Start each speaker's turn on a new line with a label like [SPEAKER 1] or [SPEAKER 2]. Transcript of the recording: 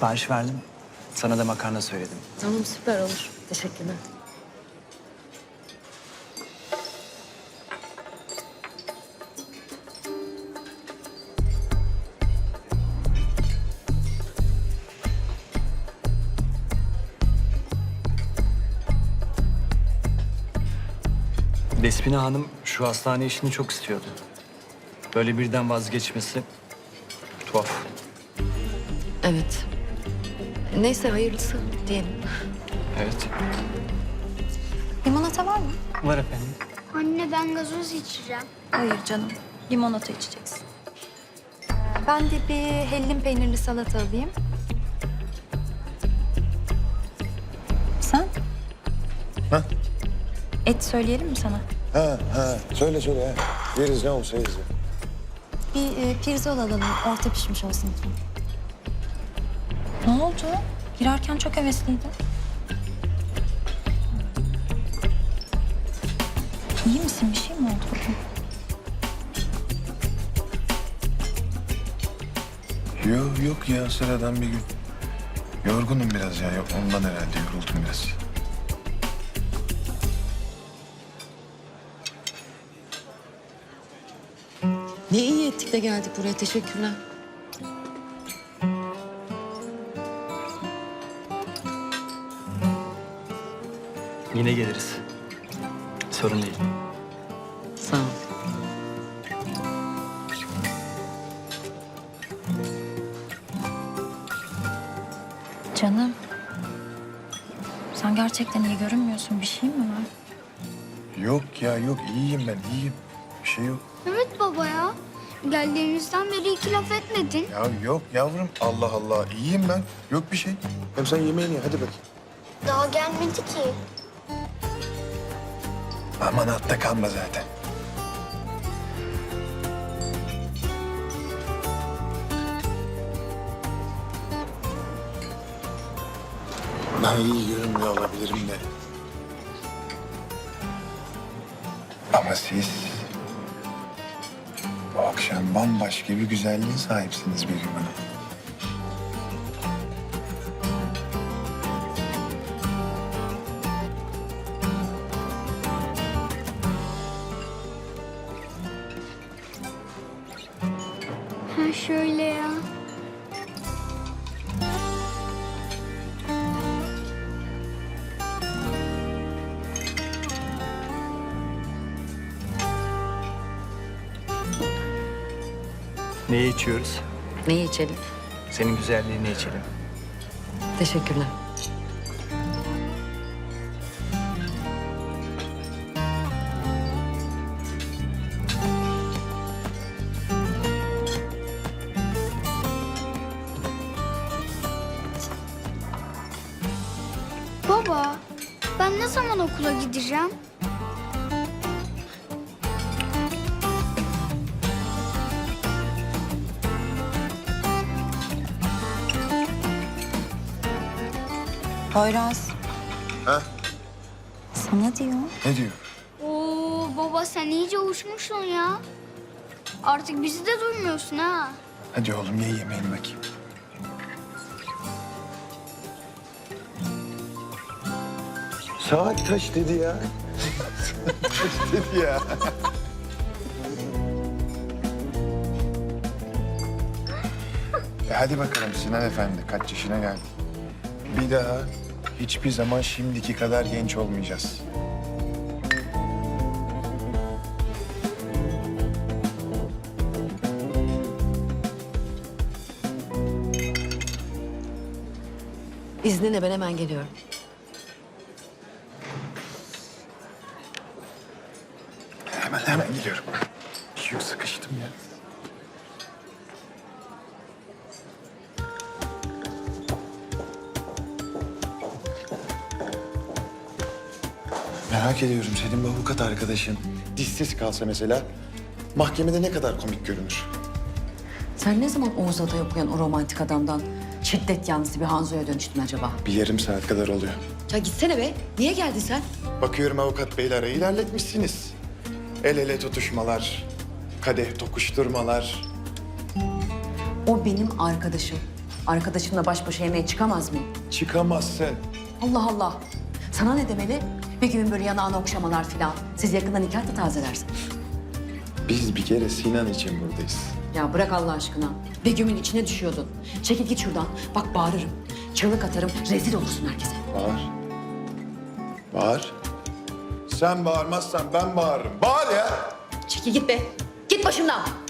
[SPEAKER 1] Sipariş verdim. Sana da makarna söyledim.
[SPEAKER 2] Tamam, süper olur. Teşekkürler.
[SPEAKER 1] Despina Hanım şu hastane işini çok istiyordu. Böyle birden vazgeçmesi tuhaf.
[SPEAKER 2] Evet. Neyse, hayırlısı diyelim.
[SPEAKER 1] Evet.
[SPEAKER 3] Limonata var mı?
[SPEAKER 1] Var efendim.
[SPEAKER 4] Anne ben gazoz içeceğim.
[SPEAKER 3] Hayır canım. Limonata içeceksin. Ben de bir hellim peynirli salata alayım. Sen?
[SPEAKER 5] Ha?
[SPEAKER 3] Et söyleyelim mi sana?
[SPEAKER 5] Ha. Söyle söyle. Ha. Yeriz ne olsa yeriz. Ya.
[SPEAKER 3] Bir pirzol alalım. Orta pişmiş olsun lütfen. Ne oldu? Girerken çok hevesliydin. İyi misin? Bir şey mi oldu bugün?
[SPEAKER 5] Yok ya sıradan bir gün. Yorgunum biraz ya. Yok, ondan herhalde yoruldum biraz.
[SPEAKER 2] Ne iyi ettik de geldik buraya. Teşekkürler.
[SPEAKER 1] Yine geliriz. Sorun değil.
[SPEAKER 2] Sağ ol.
[SPEAKER 3] Canım. Sen gerçekten iyi görünmüyorsun. Bir şey mi var?
[SPEAKER 5] Yok ya yok iyiyim ben iyiyim. Bir şey yok.
[SPEAKER 4] Evet baba ya. Geldiğimizden beri iki laf etmedin.
[SPEAKER 5] Ya yok yavrum Allah Allah iyiyim ben. Yok bir şey. Hem sen yemeğini ye hadi bakayım.
[SPEAKER 4] Daha gelmedi ki.
[SPEAKER 5] Aman altta kalma zaten. Ben iyi görünmüyor olabilirim de. Ama siz bu akşam bambaşka bir güzelliğe sahipsiniz Begüm Hanım.
[SPEAKER 4] Ha şöyle ya.
[SPEAKER 1] Neyi içiyoruz?
[SPEAKER 2] Neyi içelim?
[SPEAKER 1] Senin güzelliğini içelim.
[SPEAKER 2] Teşekkürler.
[SPEAKER 4] Baba ben ne zaman okula gideceğim?
[SPEAKER 3] Poyraz.
[SPEAKER 5] Ha?
[SPEAKER 3] Sana diyor.
[SPEAKER 5] Ne diyor?
[SPEAKER 4] Oo baba sen iyice uçmuşsun ya. Artık bizi de duymuyorsun ha.
[SPEAKER 5] Hadi oğlum ye yemeğini bakayım. Saat kaç dedi ya? Kaç dedi ya? Hadi bakalım Sinan Efendi kaç yaşına geldin? Bir daha hiçbir zaman şimdiki kadar genç olmayacağız.
[SPEAKER 2] İzninle ben hemen geliyorum.
[SPEAKER 5] Hemen geliyorum. Yok sıkıştım ya. Merak ediyorum senin bu avukat arkadaşın dişsiz kalsa mesela mahkemede ne kadar komik görünür?
[SPEAKER 2] Sen ne zaman Oğuz Atay okuyan o romantik adamdan şiddet yanlısı bir Hanzo'ya dönüştün acaba?
[SPEAKER 5] Bir yarım saat kadar oluyor.
[SPEAKER 2] Ya gitsene be. Niye geldin sen?
[SPEAKER 5] Bakıyorum avukat beyle arayı ilerletmişsiniz. El ele tutuşmalar, kadeh tokuşturmalar.
[SPEAKER 2] O benim arkadaşım. Arkadaşımla baş başa yemeğe çıkamaz mıyım?
[SPEAKER 5] Çıkamazsın.
[SPEAKER 2] Allah Allah. Sana ne demeli? Begüm'ün böyle yanağını okşamalar filan. Siz yakında nikah da tazelersiniz.
[SPEAKER 5] Biz bir kere Sinan için buradayız.
[SPEAKER 2] Ya bırak Allah aşkına. Begüm'ün içine düşüyordun. Çekil git şuradan. Bak bağırırım. Çığlık atarım. Rezil olursun herkese.
[SPEAKER 5] Bağır. Bağır. Sen bağırmazsan ben bağırırım. Bağır ya.
[SPEAKER 2] Çekil git be. Git başımdan.